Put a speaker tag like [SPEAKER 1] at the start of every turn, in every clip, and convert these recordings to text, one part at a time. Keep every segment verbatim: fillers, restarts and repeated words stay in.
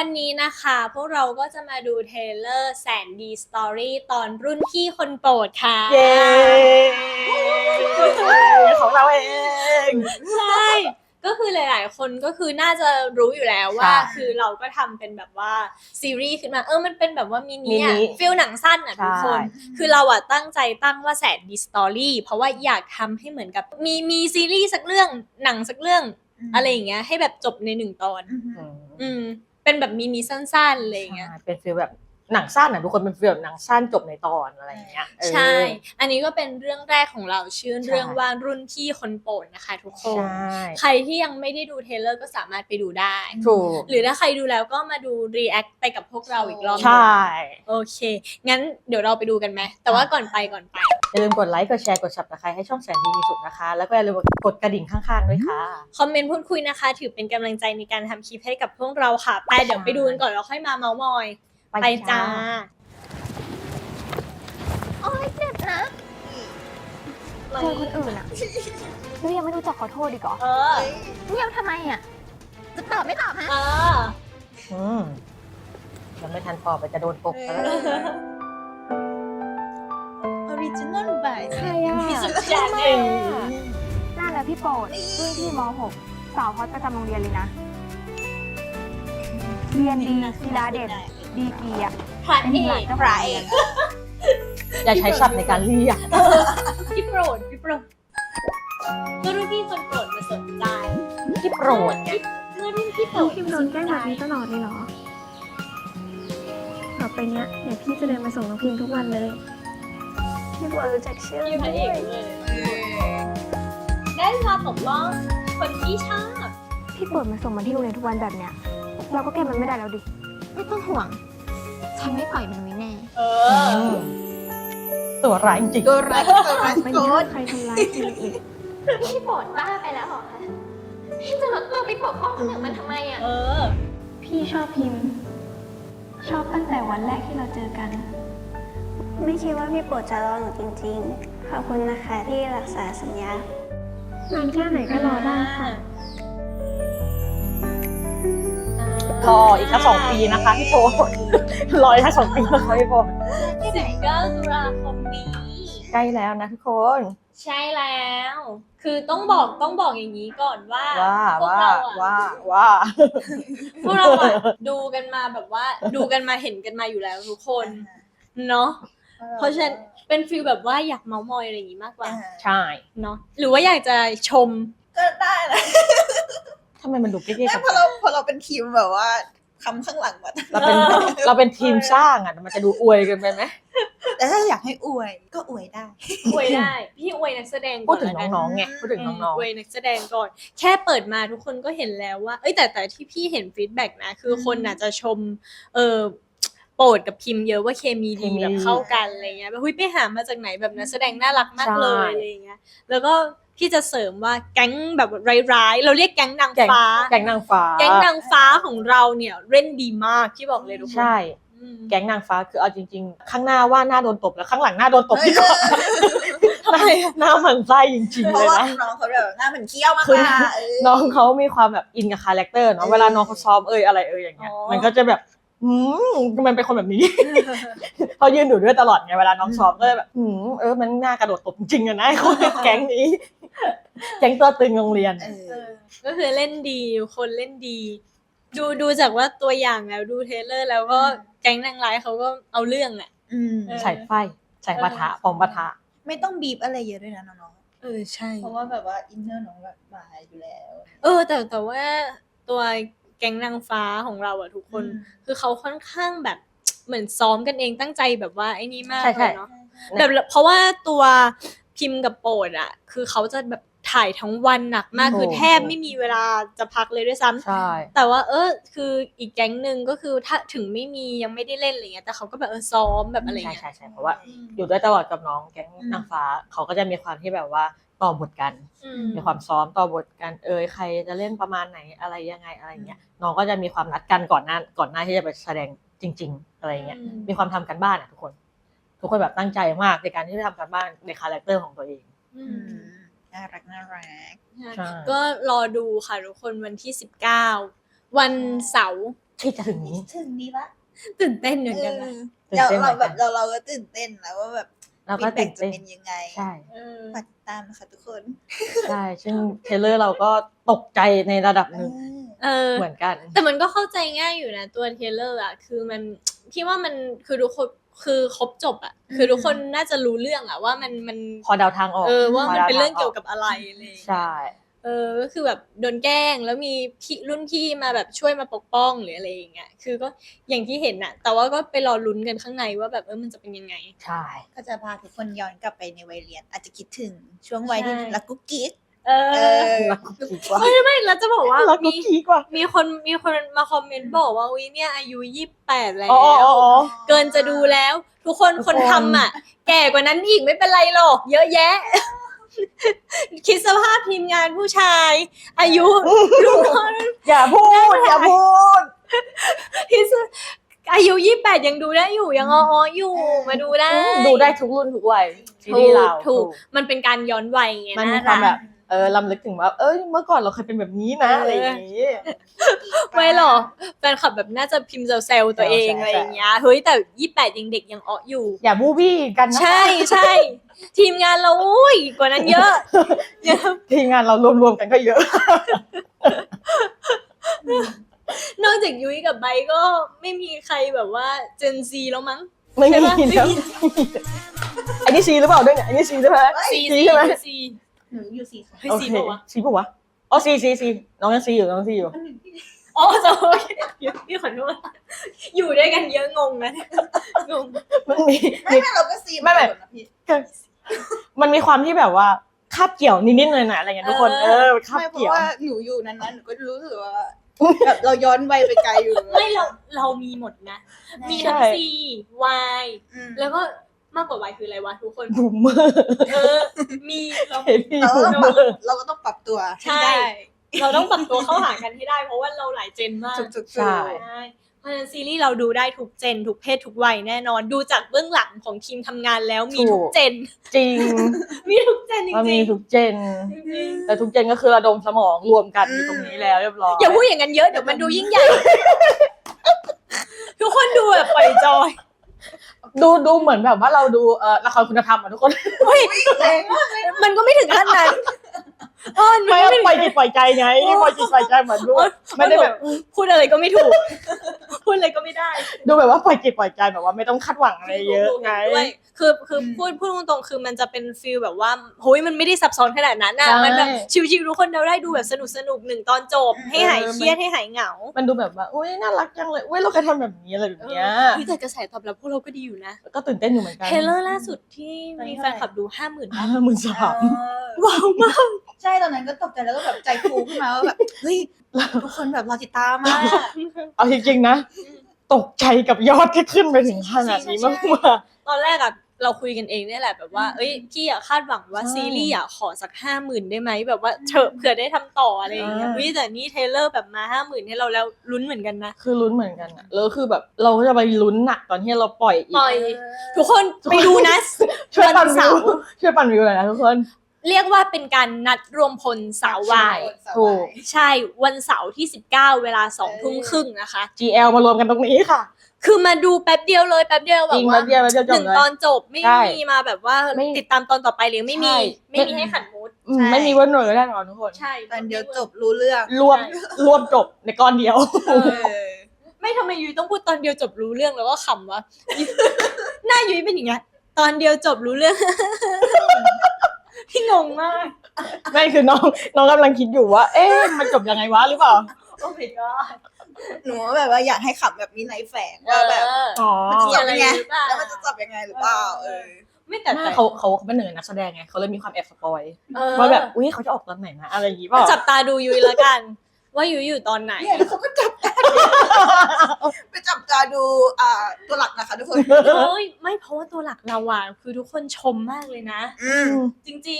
[SPEAKER 1] วันนี้นะคะพวกเราก็จะมาดูเทรลเลอร์แสนดีสตอรี่ตอนรุ่นพี่คนโปรดค่ะ
[SPEAKER 2] เย้ของเราเอง
[SPEAKER 1] ใช่ก็คือหลายๆคนก็คือน่าจะรู้อยู่แล้วว่าคือเราก็ทำเป็นแบบว่าซีรีส์ขึ้นมาเออมันเป็นแบบว่ามินิอะฟิลหนังสั้นอะทุกคนคือเราอะตั้งใจตั้งว่าแสนดีสตอรี่เพราะว่าอยากทำให้เหมือนกับมีมีซีรีส์สักเรื่องหนังสักเรื่องอะไรอย่างเงี้ยให้แบบจบในหนึ่งตอนอืมเป็นแบบมินิสั้นๆอะไรอย่างเงี้ย
[SPEAKER 2] เป็นฟีลแบบหนังสั้นอ่ะทุกคนเป็นฟีลแบบหนังสั้นจบในตอนอะไรอย่างเงี้ย
[SPEAKER 1] ใช่อันนี้ก็เป็นเรื่องแรกของเราชื่อเรื่องว่ารุ่นพี่คนโปรดนะคะทุกคนใครที่ยังไม่ได้ดูเทรลเลอร์ก็สามารถไปดูได้
[SPEAKER 2] ถูก
[SPEAKER 1] หรือถ้าใครดูแล้วก็มาดูรีแอคไปกับพวกเราอีกรอบ
[SPEAKER 2] ใช่
[SPEAKER 1] โอเคงั้นเดี๋ยวเราไปดูกันไหมแต่ว่าก่อนไปก่อนไป
[SPEAKER 2] อย่าลืมกดไลค์กดแชร์กด ซับสไครบ์ ให้ช่องแสนดีมีสุขนะคะแล้วก็อย่าลืมกดกระดิ่งข้างๆด้วยค่ะ
[SPEAKER 1] คอมเมนต์พูดคุยนะคะถือเป็นกำลังใจในการทำคลิปให้กับพวกเราค่ะไปเดี๋ยวไปดูกันก่อนแล้วค่อยมาเม้ามอยไปจ้า
[SPEAKER 3] โอ๊ยเจ็บนะเจอคนอื่นอะแล้วยังไม่รู้จักขอโทษอีกเหรอ
[SPEAKER 1] เออ
[SPEAKER 3] เงียบทำไมอะจะตอบไม่ตอบฮะ
[SPEAKER 1] เออ
[SPEAKER 2] อืมยังไม่ทันตอบไปจะโดนตบแล้ว
[SPEAKER 4] Original by
[SPEAKER 3] ใครอะ
[SPEAKER 1] พี่สุดแจ๋ว
[SPEAKER 3] เองนั่นแหละพี่โปรดรุ่นพี่ม หก สาวฮอตประจำโรงเรียนเลยนะ เรียนดีกีฬาเด่นดีกีอะ
[SPEAKER 1] พระ
[SPEAKER 3] เป็น
[SPEAKER 1] เอ
[SPEAKER 3] หลาน
[SPEAKER 1] ก
[SPEAKER 3] เจ้า
[SPEAKER 1] พ
[SPEAKER 3] ของ
[SPEAKER 1] ระ
[SPEAKER 3] โรง
[SPEAKER 1] เอ
[SPEAKER 3] เรีย
[SPEAKER 1] ก
[SPEAKER 3] น
[SPEAKER 2] อย่าใช้ศัพท์ในการเรียก
[SPEAKER 1] พี่โปรดพี่โปรดเมื่อรุ่นพี่คนโปรดมาสนใจ
[SPEAKER 2] ที่โปรดไง
[SPEAKER 1] เมื่อรุ่นพี่โปรด
[SPEAKER 5] พิมโดนแกล้งแบบนี้ตลอดเลยเหรอต่อไปเนี้ยเดี๋ยวพี่จะเดินมาส่งน้องพิมทุกวันเลย พี่บัวรู้จักชื่อ
[SPEAKER 1] พี่พ
[SPEAKER 5] ด้
[SPEAKER 1] ระเอ
[SPEAKER 5] ว
[SPEAKER 1] ก
[SPEAKER 5] ย
[SPEAKER 1] เลยได้มาปกป้องคนที่ชอบ
[SPEAKER 5] พี่เปิดมาส่งมาที่โรงเรียนทุกวันแบบเนี้ย เราก็แก้มันไม่ได้แล้วดิ
[SPEAKER 3] ไม่ต้องห่วง ฉันไม่ปล่อยมันไว้แน่
[SPEAKER 1] เออ
[SPEAKER 2] ตัวร้ายจริง
[SPEAKER 4] ตัวรักตัวรัก
[SPEAKER 5] ไม่
[SPEAKER 4] โก
[SPEAKER 5] มี
[SPEAKER 4] ด
[SPEAKER 5] ใครทำร้ายใครอีก
[SPEAKER 3] พี่โปรดบ้าไปแล้วเหรอคะพี่จะลดตัวไปปกป้องคนอื่นมันทำไมอะ
[SPEAKER 1] เออ
[SPEAKER 5] พี่ชอบพิมพ์ ชอบตั้งแต่วันแรกที่เราเจอกัน
[SPEAKER 6] ไม่คิดว่าพี่โปรดจะรอหนูจริงๆ ขอบคุณนะคะที่รักษาสัญญา
[SPEAKER 5] นานแค่ไหนก็รอได้ค่ะ
[SPEAKER 2] รออีกแค่สองปีนะคะพี่โปรดรออีกแค่สองปีนะคะพี่โปรด
[SPEAKER 1] สิบเก้าตุลาคมนี้
[SPEAKER 2] ใกล้แล้วนะทุกคน
[SPEAKER 1] ใช่แล้ว คือต้องบอกต้องบอกอย่างนี้ก่อนว่า
[SPEAKER 2] ว่า
[SPEAKER 1] พวก
[SPEAKER 2] ว่า
[SPEAKER 1] เราอะ
[SPEAKER 2] ว่าว่า
[SPEAKER 1] พวกเราอะดูกันมาแบบว่าดูกันมาเห็นกันมาอยู่แล้วทุกคนเนาะเพราะฉะนั้นเป็นฟีลแบบว่าอยากเมามอยอะไรอย่างงี้มากกว่า
[SPEAKER 2] ใช่
[SPEAKER 1] เนาะหรือว่าอยากจะชม
[SPEAKER 4] ก็ได้นะ
[SPEAKER 2] ทำไมมันดูเก๊ๆ
[SPEAKER 4] แต่
[SPEAKER 2] กัน
[SPEAKER 4] พอเราพอเราเป็นทีมแบบว่าคำข้างหลังมา
[SPEAKER 2] เราเป็นเราเป็นทีมสร้างอ่ะมันจะดูอวยกันไปไหม
[SPEAKER 4] แต่ถ้าอยากให้อวยก็อวยได้
[SPEAKER 1] อวยได้พี่อวยนักแสดง
[SPEAKER 2] พู
[SPEAKER 1] ก่
[SPEAKER 2] ด
[SPEAKER 1] อน
[SPEAKER 2] ถึง
[SPEAKER 1] ละกัน
[SPEAKER 2] น้องๆไงพูดถึงน้อง
[SPEAKER 1] อวยนักแสดงก่อน แค่เปิดมาทุกคนก็เห็นแล้วว่าเอ้ยแต่แต่ที่พี่เห็นฟีดแบ็กนะคือคนน่ะจะชมเออโปรดกับพิมพ์เยอะว่าเคมีดีแบบเข้ากันอะไรเงี้ยแบบเฮ้ยไปหามาจากไหนแบบนักแสดงน่ารักมากเลยอะไรเงี้ยแล้วก็พี่จะเสริมว่าแก๊งแบบร้ายๆเราเรียกแก๊งนาง
[SPEAKER 2] ๆแก๊ง
[SPEAKER 1] ฟ้า
[SPEAKER 2] แก๊งนางฟ้า
[SPEAKER 1] แก๊งนางฟ้าของเราเนี่ยเล่นดีมากที่บอกเลยทุกคน
[SPEAKER 2] ใช่
[SPEAKER 1] อืม
[SPEAKER 2] แก๊งนางฟ้าคือเอาจริงๆ ข้างหน้าว่าหน้าโดนตบแล้วข้างหลังหน้าโดนตบดีกว่าทำไมหน้าหมันไส้จริงๆ
[SPEAKER 4] เพ
[SPEAKER 2] เล
[SPEAKER 4] ราะ
[SPEAKER 2] ย
[SPEAKER 4] ว่า
[SPEAKER 2] นะ
[SPEAKER 4] น้องเขาแบบหน้าเหมือนเคี้ยวมาก
[SPEAKER 2] คือ
[SPEAKER 4] ค่ะเออ
[SPEAKER 2] น้องเขามีความแบบอินกับคาแรคเตอร์เนาะเวลาน้องเขาซ้อมเอ่ยอะไรเอ่ยอย่างเงี้ยมันก็จะแบบหืมมันเป็นคนแบบนี้ เขายืนอยู่ด้วยตลอดไงเวลาน้องซ้อมก็เลยแบบหืมเออมันน่ากระโดดตบจริงๆอะนะคนแก๊งนี้ แก๊งตัวตึงโรงเรียน
[SPEAKER 4] เอ
[SPEAKER 1] เอ
[SPEAKER 4] อ
[SPEAKER 1] อก็คือเล่นดีคนเล่นดี ดูดูจากว่าตัวอย่างแล้วดูเทรลเลอร์แล้วก็แก๊งนางร้ายเขาก็เอาเรื่องอ่ะ
[SPEAKER 4] อืม
[SPEAKER 1] เออ
[SPEAKER 2] ใส่ไฟใส่ปะทะปอมปะทะ
[SPEAKER 4] ไม่ต้องบีบอะไรเยอะด้วยนะน้อง
[SPEAKER 1] เออใช่
[SPEAKER 4] ๆเพราะว่าแบบว่าอินเนอร์น้องแบบมาอยู่แล้ว
[SPEAKER 1] เออแต่แต่ว่าตัวแก๊งนางฟ้าของเราอะทุกคน
[SPEAKER 4] อืม
[SPEAKER 1] คือเขาค่อนข้างแบบเหมือนซ้อมกันเองตั้งใจแบบว่าไอ้นี่มาก
[SPEAKER 2] ใช่
[SPEAKER 1] เล
[SPEAKER 2] ใช่
[SPEAKER 1] ยเนาะแบบเพราะว่าตัวพิมพ์กับโปรดอะคือเขาจะแบบถ่ายทั้งวันหนักมาก
[SPEAKER 2] โอ้
[SPEAKER 1] คือแทบไม่มีเวลาจะพักเลยด้วยซ้ำ
[SPEAKER 2] ใช่
[SPEAKER 1] แต่ว่าเออคืออีกแก๊งหนึ่งก็คือถ้าถึงไม่มียังไม่ได้เล่นอะไรเงี้ยแต่เขาก็แบบเออซ้อมแบบอะไร
[SPEAKER 2] ใช่
[SPEAKER 1] เงี้ย
[SPEAKER 2] ใช่ใช่เพราะว่าอยู่ด้วยตลอดกับน้องแก๊งนางฟ้าเขาก็จะมีความที่แบบว่าต่อบทกัน
[SPEAKER 1] อื
[SPEAKER 2] มีความซ้อมต่อบทกันเอยใครจะเล่นประมาณไหนอะไรยังไงอะไรเงี้ยน้องก็จะมีความนัดกันก่อนหน้าก่อนหน้าที่จะไปแสดงจริง ๆ อะไรเงี้ยมีความทำกันบ้านอ่ะทุกคน ทุกคนแบบตั้งใจมากในการที่จะทำกันบ้านในคาแรคเตอร์ของตัวเอง
[SPEAKER 1] อื
[SPEAKER 4] อื
[SPEAKER 1] ม
[SPEAKER 4] มน่ารักน่ารัก
[SPEAKER 2] ใช่
[SPEAKER 1] ก็รอดูค่ะทุกคนวันที่สิบเก้าวันเสาร์
[SPEAKER 2] ที่จะถึงนี้
[SPEAKER 4] ถึงนี้ละ
[SPEAKER 1] ตื่นเต้นเหมือน
[SPEAKER 4] เอ
[SPEAKER 1] กัน
[SPEAKER 4] อ
[SPEAKER 1] นะ
[SPEAKER 2] ตื่น
[SPEAKER 4] เรา
[SPEAKER 2] เต้นเหมื
[SPEAKER 4] เรา
[SPEAKER 2] อน
[SPEAKER 4] แบ
[SPEAKER 2] กัน
[SPEAKER 4] บเราเราก็ตื่นเต้นแล้วว่าแบบ
[SPEAKER 2] เราก็
[SPEAKER 4] feedback
[SPEAKER 2] ตื่นเต้น
[SPEAKER 4] จะเป็นยังไง
[SPEAKER 2] ใช่
[SPEAKER 1] เออ
[SPEAKER 4] ฝากติดตามนะคะทุกคน
[SPEAKER 2] ใช่ซึ่งเทรลเลอร์เราก็ตกใจในระดับหนึ่ง
[SPEAKER 1] เออ
[SPEAKER 2] เหมือนกัน
[SPEAKER 1] แต่มันก็เข้าใจง่ายอยู่นะตัวเทรลเลอร์อ่ะคือมันพี่ว่ามันคือทุกคนคือครบจบอ่ะคือทุกคนน่าจะรู้เรื่องอ่ะว่ามันมัน
[SPEAKER 2] พอเดาทางออก
[SPEAKER 1] เออว่ามัน
[SPEAKER 2] พดา
[SPEAKER 1] เป็นเรื่อง
[SPEAKER 2] ทา
[SPEAKER 1] เกี่ยวกับอะไรอะไรอย่างเงี้ย
[SPEAKER 2] ใช่
[SPEAKER 1] เออก็คือแบบโดนแกล้งแล้วมีพี่รุ่นพี่มาแบบช่วยมาปกป้องหรืออะไรอย่างเงี้ยคือก็อย่างที่เห็นน่ะ แต่ว่าก็ไปรอลุ้นกันข้างในว่าแบบเออมันจะเป็นยังไง
[SPEAKER 2] ใช่
[SPEAKER 4] ก็จะพาทุกคนย้อนกลับไปในวัยเรียน อาจจะคิดถึงช่วงวัยที่
[SPEAKER 1] ใช่
[SPEAKER 4] รักกุ๊กกิ๊ก
[SPEAKER 1] เอ
[SPEAKER 4] เอ
[SPEAKER 1] อ
[SPEAKER 4] อ
[SPEAKER 2] รักกุ๊กกิ๊กว่า
[SPEAKER 1] ไม่ไม่แล้วจะบอกว่า
[SPEAKER 2] รักกุ๊
[SPEAKER 1] มี
[SPEAKER 2] กกิ๊กว่า
[SPEAKER 1] มีคนมีคนมาคอมเมนต์บอกว่าวิเนี่ยอายุยี่สิบแปดแล้ว
[SPEAKER 2] อ๋ออ๋ออ๋อ
[SPEAKER 1] เกินจะดูแล้ว ทุกคน
[SPEAKER 2] ทุก
[SPEAKER 1] ค
[SPEAKER 2] คน
[SPEAKER 1] นทำอ่ะ แก่กว่านั้นอีกไม่เป็นไรหรอกเยอะแยะ คิดสภาพทีมงานผู้ชาย อายุรุ่น
[SPEAKER 2] อย่าพูดอย่าพูด
[SPEAKER 1] คิดสอายุยี่สิบแปดยังดูได้อยู่ยังอ้อๆอยู่มาดูได้
[SPEAKER 2] ดูได้ทุกรุ่นทุกวัยซีรีส์เรา
[SPEAKER 1] ถูกมันเป็นการย้อนวัยไง
[SPEAKER 2] มันมี
[SPEAKER 1] น่
[SPEAKER 2] ความ
[SPEAKER 1] รัก
[SPEAKER 2] แบบเออลำลึกถึงว่าเอ้ยเมื่อก่อนเราเคยเป็นแบบนี้นะ
[SPEAKER 1] เอออ
[SPEAKER 2] อะไรอย่างนี้
[SPEAKER 1] ไม่หรอกแฟนคลับแบบน่าจะพิมพ์เซลล์ตัวเอง
[SPEAKER 2] ใช่
[SPEAKER 1] อะไรอย่างเงี้ยเฮ้ยแต่ยี่สิบแปดยังเด็กยังอ้ออยู่
[SPEAKER 2] อย่าบูบี้กันนะ
[SPEAKER 1] ใช่ใช่ทีมงานเราอุ้ยกว่านั้นเยอะเยอะ
[SPEAKER 2] ทีมงานเรารวมๆกันก็เยอะ
[SPEAKER 1] นอกจากยุ้ยกับไบร์ทก็ไม่มีใครแบบว่าเจนซีแล้วมั้ง
[SPEAKER 2] ไม่มี
[SPEAKER 1] ใช่ปะ
[SPEAKER 2] แล้วอันนี้ซีหรือเปล่าด้วยเนี่ยอันนี้ซีใช่ไหม
[SPEAKER 1] ซี
[SPEAKER 2] ซี
[SPEAKER 1] ซี
[SPEAKER 2] ใช่ไหม
[SPEAKER 1] ซี
[SPEAKER 4] หนูอยู่สี่ค่ะ
[SPEAKER 1] เฮ้ย
[SPEAKER 2] โอ
[SPEAKER 1] ซี
[SPEAKER 2] เค
[SPEAKER 1] ปะวะ
[SPEAKER 2] ซีปะวะอ๋อซีซีซีน้องยังซีอยู่น้องซีอยู่
[SPEAKER 1] อ๋อจะโอเคพี่ขอโทษอยู่ด้วยกันเยอะงงนะงง
[SPEAKER 2] มันมี
[SPEAKER 4] ไม่ไม่เราก็ซี
[SPEAKER 2] ไม่ไม่
[SPEAKER 4] เหอนกันนะพี่
[SPEAKER 2] มันมีความที่แบบว่าคาบเกี่ยวนิดๆหน่อยๆอะไรอย่างเงี้ยทุกคนเออคาบ
[SPEAKER 4] ไม่เพราะ
[SPEAKER 2] เกี่ยว
[SPEAKER 4] ว่าหนูอยู่นั้นๆหนูก็รู้สึกว่าแบบเราย้อนวัยไปไกลอยู่
[SPEAKER 1] ไม่เราเรามีหมดนะ มีทั้ง
[SPEAKER 2] ใช่
[SPEAKER 1] ซีวาย
[SPEAKER 4] อืม
[SPEAKER 1] แล้วก็มากกว่าวายคืออะไรวะทุกคน
[SPEAKER 2] บูมเมอร์
[SPEAKER 1] เออ มีเรา
[SPEAKER 2] เห็นพี่
[SPEAKER 4] เรา
[SPEAKER 2] บู
[SPEAKER 4] ก็
[SPEAKER 2] ม
[SPEAKER 4] ต้อง
[SPEAKER 2] เม
[SPEAKER 4] ป
[SPEAKER 2] อ
[SPEAKER 4] รับ
[SPEAKER 2] ร์
[SPEAKER 4] เราก็ต้องปรับตัว
[SPEAKER 1] ใช่
[SPEAKER 4] ได้
[SPEAKER 1] เราต้องปรับตัวเข้าหากันให้ได้ เพราะว่าเราหลายเจนมาก
[SPEAKER 4] ถูกๆ
[SPEAKER 2] ใช่
[SPEAKER 1] ใช่เพราะฉะนั้นซีรีส์เราดูได้ทุกเจน ทุกเพศทุกวัยแน่นอน ดูจากเบื้องหลังของทีมทำงานแล้วมีทุกเจน
[SPEAKER 2] จริง
[SPEAKER 1] มีทุกเจนจริง
[SPEAKER 2] มันมี
[SPEAKER 1] ๆ
[SPEAKER 2] ทุกเจน
[SPEAKER 1] จริง
[SPEAKER 2] แต่ทุกเจนก็คือระดมสมองรวมกันอยู่ตรงนี้แล้วเรียบร้อย
[SPEAKER 1] ๆอย่าพูดอย่างนั้นเยอะเดี๋ยวมันดูยิ่งใหญ่ ทุกคนดูแบบปล่อยจอย
[SPEAKER 2] ดูดูเหมือนแบบว่าเราดูเอ่อละครคุณธรรมอ่ะทุกคน
[SPEAKER 1] มันก็ไม่ถึงขั้นนั้นเออ
[SPEAKER 2] ไม่
[SPEAKER 1] มัน
[SPEAKER 2] ปล่อยจิตปล่อยใจไงปล่อยจิตปล่อยใจเหมือนดูไม่ได้แบบ
[SPEAKER 1] พูดอะไรก็ไม่ถูก พูดอะไรก็ไม่ได้
[SPEAKER 2] ดูแบบว่าปล่อยจิตปล่อยใจแบบว่าไม่ต้องคาดหวังอะไรเยอะไง
[SPEAKER 1] ด้วยคือคือพูดพูดตรงๆคือมันจะเป็นฟีลแบบว่าโฮ้ยมันไม่ได้ซับซ้อนขนาดนั้นน่ะ
[SPEAKER 2] ใช่
[SPEAKER 1] มันแบบชิวๆทุกคนเราได้ดูแบบสนุกสนุกๆหนึ่งตอนจบ ให้หายเครียดให้หายเหงา
[SPEAKER 2] มันดูแบบว่าอุ้ยน่ารักจังเลยอุ้ยเราเคยทำแบบนี้อะไรแบบเนี้ย
[SPEAKER 1] เฮ้ยแต่กระแสตอบรับพวกเราก็ดีอยู่นะ
[SPEAKER 2] ก็ตื่นเต้นอยู่เหมือนกัน
[SPEAKER 1] เทรลเลอร์ล่าสุดที่มีแฟนคลับดูห้าหมื่น
[SPEAKER 2] ห้าหมื่นสาม
[SPEAKER 1] ว้าวมาก
[SPEAKER 4] ใช่ตอนนั้นก็ตกใจแล้วก็แบบใจฟูขึ้นมาว่าแบบเฮ้ยทุกคนแบบรอติดตามมาก
[SPEAKER 2] เอาจริงๆนะ ตกใจกับยอดที่ขึ้นไปถึงขนาดนี้มากกว่า
[SPEAKER 1] ตอนแรกอะเราคุยกันเองเนี่ยแหละแบบว่า เอ้ยพี่อะคาดหวังว่า
[SPEAKER 2] ใช่
[SPEAKER 1] ซีรีส์อะขอสักห้าหมื่นได้ไหมแบบว่าเฉอะเผื่อได้ทำต่ออะไรอย่างเงี้ย
[SPEAKER 2] อ่า
[SPEAKER 1] วิแต่นี่เทรลเลอร์แบบมาห้าหมื่นให้เราแล้วลุ้นเหมือนกันนะ
[SPEAKER 2] คือลุ้นเหมือนกันอะแล้วคือแบบเราก็จะไปลุ้นหนักตอนที่เราปล่อยอีก
[SPEAKER 1] ปล่อย ทุกคนไปดูนะ
[SPEAKER 2] ช่วยปั่น
[SPEAKER 1] วัน
[SPEAKER 2] วิ
[SPEAKER 1] เสาว ร์
[SPEAKER 2] ช่วยปั่นวิวหน่อยนะทุกคน
[SPEAKER 1] เรียกว่าเป็นการนัดรวมพลสาววาย
[SPEAKER 2] ถูก
[SPEAKER 1] ใช่วันเสาร์ที่สิบเก้าเวลาสองทุ่มครึ่งนะคะ
[SPEAKER 2] จี แอล มารวมกันตรงนี้ค่ะ
[SPEAKER 1] คือมาดูแป๊บเดียวเลยแป๊บเดียวแบ
[SPEAKER 2] จริ
[SPEAKER 1] บ
[SPEAKER 2] ง
[SPEAKER 1] ว่า
[SPEAKER 2] แป๊บเดียวแป๊บเดียวจ
[SPEAKER 1] ห
[SPEAKER 2] บ
[SPEAKER 1] นึ่ง
[SPEAKER 2] เลย
[SPEAKER 1] ตอนจบไม่
[SPEAKER 2] ใช่
[SPEAKER 1] มีมาแบบว่า
[SPEAKER 2] ไม่
[SPEAKER 1] ติดตามตอนต่อไปเลยไม่มี
[SPEAKER 2] ใช่
[SPEAKER 1] ไม่มีให้ขันมูด
[SPEAKER 2] อืมไม่มีเวิร์นเวอร์แน่นอนทุกคน
[SPEAKER 1] ใช่
[SPEAKER 4] ตอนเดียวจบรู้เรื่อง
[SPEAKER 2] รวมรวมจบในก้อนเดียว
[SPEAKER 4] เออ
[SPEAKER 1] ไม่ทำไมยุ้ยต้องพูดตอนเดียวจบรู้เรื่องแล้วก็ขำวะ หน้ายุ้ยเป็นอย่างเงี้ยตอนเดียวจบรู้เรื่อง พี่งงมาก
[SPEAKER 2] ไม่คือน้องน้องกำลังคิดอยู่ว่า เอ๊ะมันจบยังไงวะหรือเปล่า
[SPEAKER 1] โอ้ my god
[SPEAKER 4] หนูแบบว่าอยากให้ขับแบบมีในแฝงว่าแบบ
[SPEAKER 1] เออ
[SPEAKER 2] อ๋อ
[SPEAKER 4] มันจะจบยังไง
[SPEAKER 1] มีอะไรหรือเปล่า
[SPEAKER 4] แล้วมันจะจบยังไงหรือเปล่าเออ
[SPEAKER 1] ไม่แต่
[SPEAKER 2] ไม่
[SPEAKER 1] แต่
[SPEAKER 2] เขาเขาเขาเป็นหนึ่งในนักแสดงไงเขาเลยมีความแอบสปอย
[SPEAKER 1] เออ
[SPEAKER 2] ว่าแบบอุ้ยเขาจะออกตอนไหนนะอะไรอย่างงี้เปล่า
[SPEAKER 1] จับตาดูยุ้ยแล้วกัน ว่ายุ้ยอยู่ตอนไหน
[SPEAKER 4] เนี่ยแล้วเขาก็จับตาดูไปจับตาดูอ่าตัวหลักนะคะทุกคน
[SPEAKER 1] เฮ้ยไม่เพราะว่าตัวหลักเราอ่ะคือทุกคนชมมากเลยนะ
[SPEAKER 4] อืม
[SPEAKER 1] จริง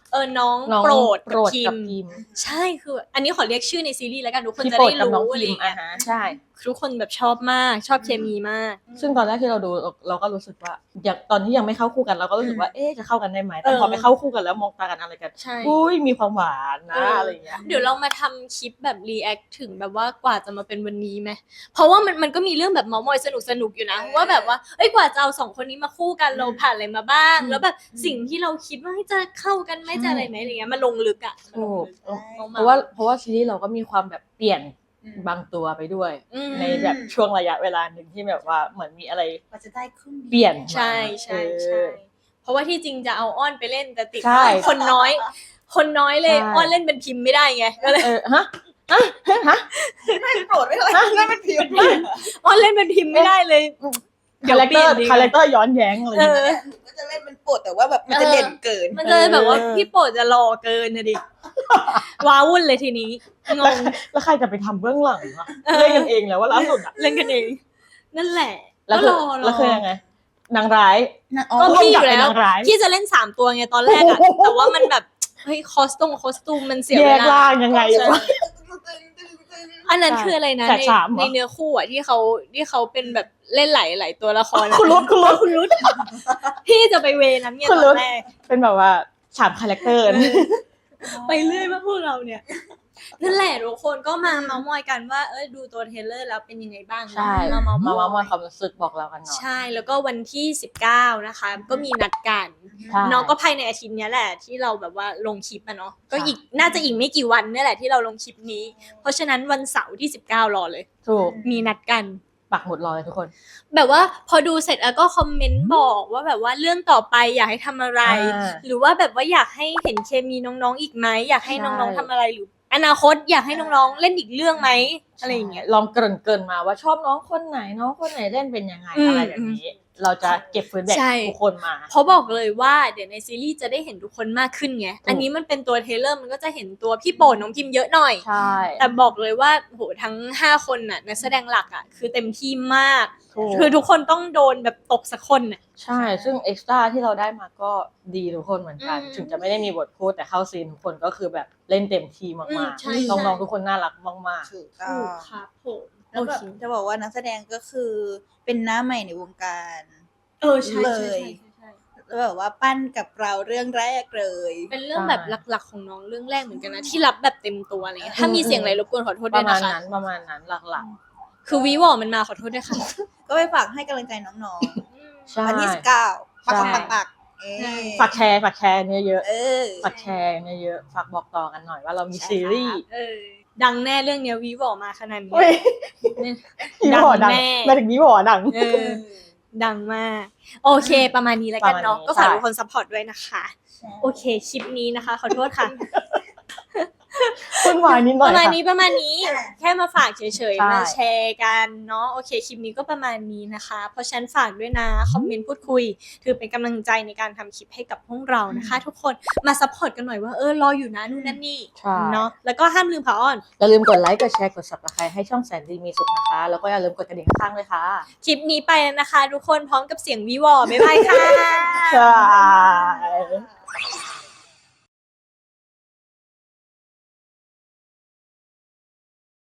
[SPEAKER 1] เออน้อง
[SPEAKER 2] น้อง
[SPEAKER 1] โปรด
[SPEAKER 2] โปรด
[SPEAKER 1] คิ
[SPEAKER 2] กับ
[SPEAKER 1] ม
[SPEAKER 2] คิม
[SPEAKER 1] ใช่คืออันนี้ขอเรียกชื่อในซีรีส์แล้วกันทุกคน
[SPEAKER 2] พี่
[SPEAKER 1] จะ
[SPEAKER 2] โปร
[SPEAKER 1] ได้
[SPEAKER 2] ดกับน้อง
[SPEAKER 1] รู้อะไร
[SPEAKER 2] คิ
[SPEAKER 1] อ
[SPEAKER 2] ม
[SPEAKER 1] ย่างเงี้
[SPEAKER 2] อ่ะ
[SPEAKER 1] ย
[SPEAKER 2] ฮะใช่
[SPEAKER 1] ทุกคนแบบชอบมากชอบเคมีมาก
[SPEAKER 2] ซึ่งตอนแรกที่เราดูเราเราก็รู้สึกว่าอย่างตอนที่ยังไม่เข้าคู่กันเราก็รู้สึกว่าเอ๊ะจะเข้ากันได้ไหมแต่
[SPEAKER 1] เออ
[SPEAKER 2] พอไปเข้าคู่กันแล้วมองตากันอะไรกัน
[SPEAKER 1] ใช่
[SPEAKER 2] อุ้ยมีความหวาน
[SPEAKER 1] เอ
[SPEAKER 2] นะ
[SPEAKER 1] ออ
[SPEAKER 2] อะไรอย่างเงี้ย
[SPEAKER 1] เดี๋ยวเรามาทำคลิปแบบรีแอคถึงแบบว่ากว่าจะมาเป็นวันนี้ไหมเพราะว่ามันมันก็มีเรื่องแบบเมามอยสนุกสนุกๆอยู่นะว่าแบบว่าเอ้ยกว่าจะเอาสองคนนี้มาคู่กันเราผ่านอะไรมาบ้าง แล้วแบบสิ่งที่เราคิดว่าเฮ้ยจะเข้ากันไหมจะอะไรไหมอะไรเงี้ยมันลงลึกอ่ะ
[SPEAKER 2] ถูก
[SPEAKER 1] มันลงลึก
[SPEAKER 2] เพราะว่าเพราะว่าซีรีส์เราก็มีความแบบเปลี่ยนบางตัวไปด้วย
[SPEAKER 1] อืม
[SPEAKER 2] ในแบบช่วงระยะเวลาหนึ่งที่แบบว่าเหมือนมีอะไร
[SPEAKER 4] กว่าจะได้ครึ่ง
[SPEAKER 2] เปลี่ยนมา
[SPEAKER 1] ใช่ใช่ใช่
[SPEAKER 2] เออ
[SPEAKER 1] เพราะว่าที่จริงจะเอาอ้อนไปเล่นแต่ติด
[SPEAKER 2] ใช่
[SPEAKER 1] คนน้อย คนน้อยเลย
[SPEAKER 2] ใช่
[SPEAKER 1] อ้อนเล่นเป็นพิมพ์ไม่ได้ไงก็เลย
[SPEAKER 2] เออฮะฮะฮะ
[SPEAKER 4] ไม่โปรดไม่เลยนั่นเป็นพิมพ์
[SPEAKER 1] อ้อนเล่นเป็นพิมพ์ไม่ได้เลย เดี๋
[SPEAKER 2] คา
[SPEAKER 1] ยว
[SPEAKER 2] แรค
[SPEAKER 1] เป
[SPEAKER 2] เต
[SPEAKER 1] ลี่
[SPEAKER 2] อย
[SPEAKER 1] น
[SPEAKER 2] ร์
[SPEAKER 1] ดีก
[SPEAKER 2] คา
[SPEAKER 1] ว่า
[SPEAKER 2] แรคเตอร์ย้อนแย้งอะไรอ
[SPEAKER 1] เอย่าง
[SPEAKER 2] เงี้ย
[SPEAKER 1] อ
[SPEAKER 4] ก็จะเล่นเป็นโปรดแต่ว่าแบบมันจะเด่นเกิน
[SPEAKER 1] มันจะแบบว่า
[SPEAKER 2] เออ
[SPEAKER 1] พี่โปรดจะรอเกินนะดิ ว้าวุ่นเลยทีนี้งง
[SPEAKER 2] แล้วใครจะไปทำเบื้องหลังอะเล่นกันเองแล้วว่าล่าสุดอะ
[SPEAKER 1] เล่นกันเอง นั่นแหละ
[SPEAKER 2] แล้ว
[SPEAKER 1] ก็
[SPEAKER 2] คือ
[SPEAKER 1] รอร
[SPEAKER 2] แล้วคือ
[SPEAKER 1] อ
[SPEAKER 2] ยังไงนางร้าย
[SPEAKER 1] ก็
[SPEAKER 2] ผู้
[SPEAKER 1] พี่
[SPEAKER 2] กำ
[SPEAKER 1] อ
[SPEAKER 2] กับ
[SPEAKER 1] ยู่
[SPEAKER 2] เป็น
[SPEAKER 1] แล้ว
[SPEAKER 2] นางร้าย
[SPEAKER 1] พี่จะเล่นสามตัวไงตอนแรกอะแต่ว่ามันแบบเฮ้ยคอสตูมคอสตูมมันเสีย
[SPEAKER 2] แย
[SPEAKER 1] เว
[SPEAKER 2] ก
[SPEAKER 1] ลา
[SPEAKER 2] ล่างยังไงวะ
[SPEAKER 1] อันนั้น
[SPEAKER 2] ใช่
[SPEAKER 1] คืออะไรนะ
[SPEAKER 2] แฝ
[SPEAKER 1] ใน
[SPEAKER 2] ดสามเหรอ
[SPEAKER 1] ในเนื้อคู่อะที่เขาที่เขาเป็นแบบเล่นหลายหลายตัวละครอะ
[SPEAKER 2] คุณรุดคุณรุด
[SPEAKER 1] คุณรุดพี่จะไปเวนั้นไง
[SPEAKER 2] คุณ
[SPEAKER 1] ต
[SPEAKER 2] รุ
[SPEAKER 1] อ
[SPEAKER 2] ด
[SPEAKER 1] นแรก
[SPEAKER 2] เป็นแบบว่าสามคาแรคเตอร์นะ
[SPEAKER 1] ไปเรื่อยมากพวกเราเนี่ยนั่นแหละทุกคนก็มาเมาท์มอยกันว่าเอ้ยดูตัวเทรลเลอร์แล้วเป็นยังไงบ้าง
[SPEAKER 2] ใช่
[SPEAKER 1] มาเมาท์
[SPEAKER 2] มา
[SPEAKER 1] อย
[SPEAKER 2] มามอยความรู้สึกบอกเรากันหน่อย
[SPEAKER 1] ใช่แล้วก็วันที่สิบเก้านะคะ ก็มีนัดกัน
[SPEAKER 2] ใช่
[SPEAKER 1] น้องก็ภายในอาทิตย์เนี้ยแหละที่เราแบบว่าลงคลิปอะเนาะก็
[SPEAKER 2] ใช่
[SPEAKER 1] อีกน่าจะอีกไม่กี่วันเนี่ยแหละที่เราลงคลิปนี้ เพราะฉะนั้นวันเสาร์ที่สิบเก้ารอเลย
[SPEAKER 2] ถูก
[SPEAKER 1] มีนัดกัน
[SPEAKER 2] ปักหมุดรอเลยทุกคน
[SPEAKER 1] แบบว่าพอดูเสร็จแล้วก็คอมเมนต์บอกว่าแบบว่าเรื่องต่อไปอยากให้ทำอะไร
[SPEAKER 2] อ่า
[SPEAKER 1] หรือว่าแบบว่าอยากให้เห็นเคมีน้องๆอีกไหมอยากให้
[SPEAKER 2] ใช่
[SPEAKER 1] น้องๆทำอะไรหรืออนาคตอยากให้น้องๆเล่นอีกเรื่องไหมอะไรอย่างเงี้ย
[SPEAKER 2] ลองเกริ่นเกินๆมาว่าชอบน้องคนไหนน้องคนไหนเล่นเป็นยังไง
[SPEAKER 1] อืม
[SPEAKER 2] อะไรแบบนี้ เราจะเก็บฟีดแบ็ก
[SPEAKER 1] ใช่
[SPEAKER 2] ทุกคนมา
[SPEAKER 1] เพราะบอกเลยว่าเดี๋ยวในซีรีส์จะได้เห็นทุกคนมากขึ้นไง อันนี้มันเป็นตัวเทรลเลอร์มันก็จะเห็นตัวพี่โปรดน้องพิมเยอะหน่อย
[SPEAKER 2] ใช่
[SPEAKER 1] แต่บอกเลยว่าโหทั้งห้าคนน่ะนักแสดงหลักอ่ะคือเต็มที่มาก
[SPEAKER 2] ถูก
[SPEAKER 1] คือทุกคนต้องโดนแบบตกสักคนน่ะ
[SPEAKER 2] ใช่ ซึ่งเอ็กซ์ตร้าที่เราได้มาก็ดีทุกคนเหมือนกัน
[SPEAKER 1] อืม
[SPEAKER 2] ถึงจะไม่ได้มีบทพูดแต่เข้าซีนทุกคนก็คือแบบเล่นเต็มที่
[SPEAKER 1] อื
[SPEAKER 2] มาม ก
[SPEAKER 1] ใช่
[SPEAKER 2] ๆ น้องๆทุกคนน่ารักมาก
[SPEAKER 4] ถูกต้อ
[SPEAKER 1] ถู
[SPEAKER 4] ง
[SPEAKER 1] กครับผม
[SPEAKER 4] แล้วแบบ
[SPEAKER 1] โอเค
[SPEAKER 4] จะบอกว่านักแสดงก็คือเป็นหน้าใหม่ในวงการ
[SPEAKER 1] เออใช่
[SPEAKER 4] เล
[SPEAKER 1] ใช่
[SPEAKER 4] ย
[SPEAKER 1] ใช่ใช่
[SPEAKER 4] แล้วแบบว่าปั้นกับเราเรื่องแรกเลย
[SPEAKER 1] เป็นเรื่องแบบหลักๆของน้องเรื่องแรกเหมือนกันนะที่รับแบบเต็มตัวอะไรเงี้ยถ้ามีเสียงอะไรรบกวนขอโทษ
[SPEAKER 2] ๆ ป
[SPEAKER 1] ด้วย
[SPEAKER 2] ระมา
[SPEAKER 1] นะ
[SPEAKER 2] ณ
[SPEAKER 1] คะ
[SPEAKER 2] นั้นประมาณนั้นหลัก
[SPEAKER 1] คือวีวอมันมาขอโทษด้วยค่ะ
[SPEAKER 4] ก็ไปฝากให้กำลังใจน้อง
[SPEAKER 2] ๆ ใช่
[SPEAKER 4] ๆวันที่สิบเก้าปัก
[SPEAKER 2] ใช่
[SPEAKER 4] ปักปักเอ้
[SPEAKER 1] ใช่
[SPEAKER 4] ย
[SPEAKER 2] ฝากแชร์ฝากแชร์เยอะ
[SPEAKER 4] เออ
[SPEAKER 2] ๆฝากแชร์เยอะๆฝากบอกต่อกันหน่อยว่าเรามีซีรีส์
[SPEAKER 1] เออดังแน่เรื่องเนี้ยวีวอมาขนาดนี้
[SPEAKER 2] เฮ้ย
[SPEAKER 1] เนี่ย
[SPEAKER 2] ยี่ห้อดัง
[SPEAKER 1] ดังแน่
[SPEAKER 2] มาถึงยี่ห้อดัง
[SPEAKER 1] เออ ดังมาก โอเค ประมาณนี้แล้วกันเนาะ
[SPEAKER 2] ประมาณนี้
[SPEAKER 1] ก็ฝาก
[SPEAKER 2] ใช่
[SPEAKER 1] ทุกคนซัพพอร์ตด้วยนะคะ โอเค คลิปนี้นะคะ ขอโทษค่ะ
[SPEAKER 2] คุณวายนิดห
[SPEAKER 1] ป
[SPEAKER 2] น่อย
[SPEAKER 1] ระมาณ
[SPEAKER 2] ค่ะ
[SPEAKER 1] นี้ประมาณนี้ แค่มาฝากเฉย
[SPEAKER 2] ใช่
[SPEAKER 1] ๆ มาแชร์กันเนาะ โอเค คลิปนี้ก็ประมาณนี้นะคะ เพราะฉะนันฝากด้วยนะ คอมเมนต์พูดคุย ถือเป็นกำลังใจในการทำคลิปให้กับพวกเรานะคะ ทุกคน มาซัพพอร์ตกันหน่อยว่า เออ รออยู่นะนู่นนั่นนี่
[SPEAKER 2] ใช่
[SPEAKER 1] เนาะ แล้วก็ห้ามลืมค่ะอ้อน
[SPEAKER 2] อย่าลืมกดไลค์ กดแชร์ กด ซับสไครบ์ ให้ช่องแสนดีมีสุขนะคะ แล้วก็อย่าลืมกดกระดิ่งข้างๆด้วยค่ะ
[SPEAKER 1] คลิปนี้ไปแล้วนะคะ ทุกคนพร้อมกับเสียงวีวอบ๊ายบายค่ะ
[SPEAKER 2] ค่ะ